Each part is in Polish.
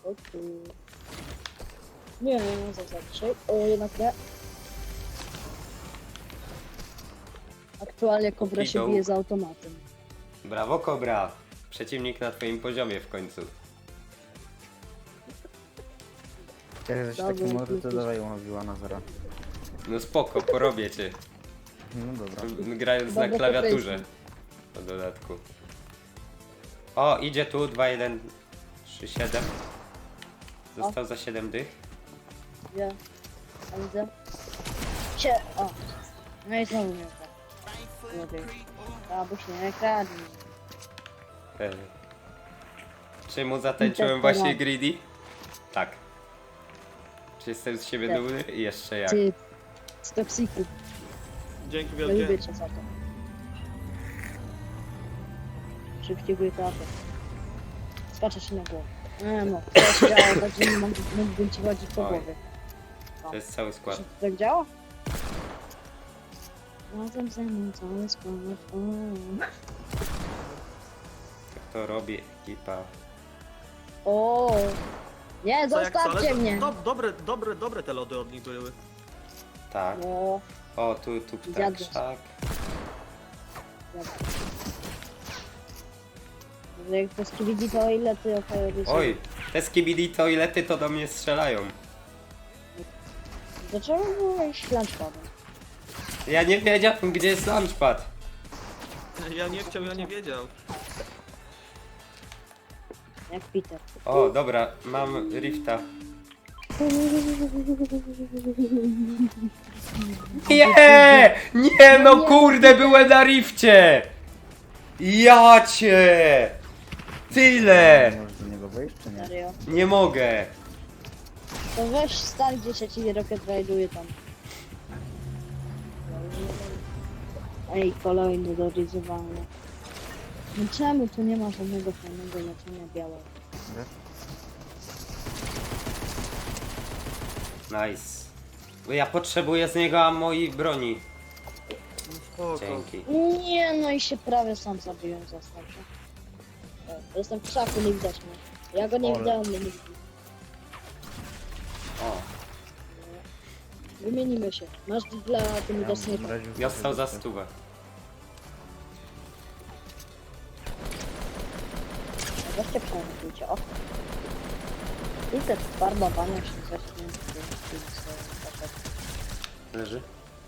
Nie, dzisiaj. O, jednak nie. Aktualnie Kobra się Idą. bije z automatem. Brawo, Kobra. Przeciwnik na twoim poziomie w końcu. Jak coś Dobra, taki może, to jesteś. dawaj łowiła na zero. No spoko, porobię cię. No dobra. Grając na Dobra, klawiaturze. to W dodatku. O, idzie tu 2, 1, 3, 7. Został za 7 dych. Gdzie? A widzę. O! No i znowu mnie ukradł. Abyś nie kradł. E. Czy mu zatańczyłem Tak, właśnie tak. greedy? Tak. Czy jestem z siebie Tak. dumny? I jeszcze jak. Ty, z toksiku. Dzięki Ja lubię wielkie. cię za to. Szybciej go trafę. Skaczę się na głowę. Nie no, to się działa, tak że nie mógłbym ci chodzić po Oj. głowie. To jest cały skład. Czy to tak działa? Razem ze mną cały skład. Tak to robi ekipa. O! Nie, Co, jak co, ale zostawcie mnie! dobre te lody od nich były. Tak. No, O, tu ptak Zjadłeś. sztak. jak to skibidi, to ile ty oferujesz? Oj, te skibidi toilety to do mnie strzelają. Dlaczego byłeś lunchpadem? Ja nie wiedziałem, gdzie jest launchpad. Ja nie chciał, ja nie wiedział. Jak Peter. O, dobra, mam rifta. Nie! Nie no kurde, byłem na rifcie! Ja cię! Tyle! Możesz do niego wejść, czy nie? Serio. Nie mogę. To weź stan, gdzie się ci rocket rajduje tam. Ej, kolejny do ryzowania. No czemu tu nie ma żadnego fajnego leczenia białego? Nice. Bo ja potrzebuję z niego ammo i broni. No spoko. Dzięki. Nie, no i się prawie sam zabiłem za starcie. Jestem w krzaku, nie widać mnie. Ja go nie Ole. widziałem, mnie nie widzi. O, Wymienimy się. Masz dla tymi Ja desnyka. mam razie dostał za stówę. Weźcie przemyślujcie, o. I te farbowania się coś nie Leży?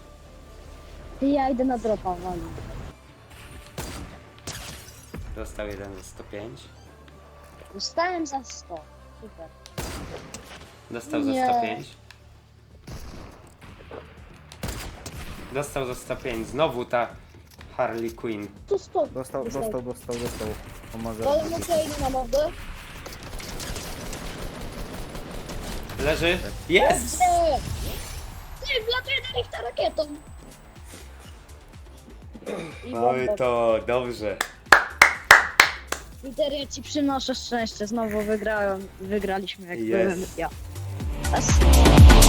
Ja idę na dropa, wali. Dostał jeden za 105. Dostałem za 100. Super. Dostał za Nie. 105. Dostał za 105. Znowu ta Harley Quinn. To 100. Dostał. Pomogę. Ale muszę iść na mordę. Leży? Jest! Nie! Ty, wlatuję do nich ta rakietą. I No i bomba. to dobrze. Peter, ja ci przynoszę szczęście. Znowu wygraliśmy jak Yes. byłem ja.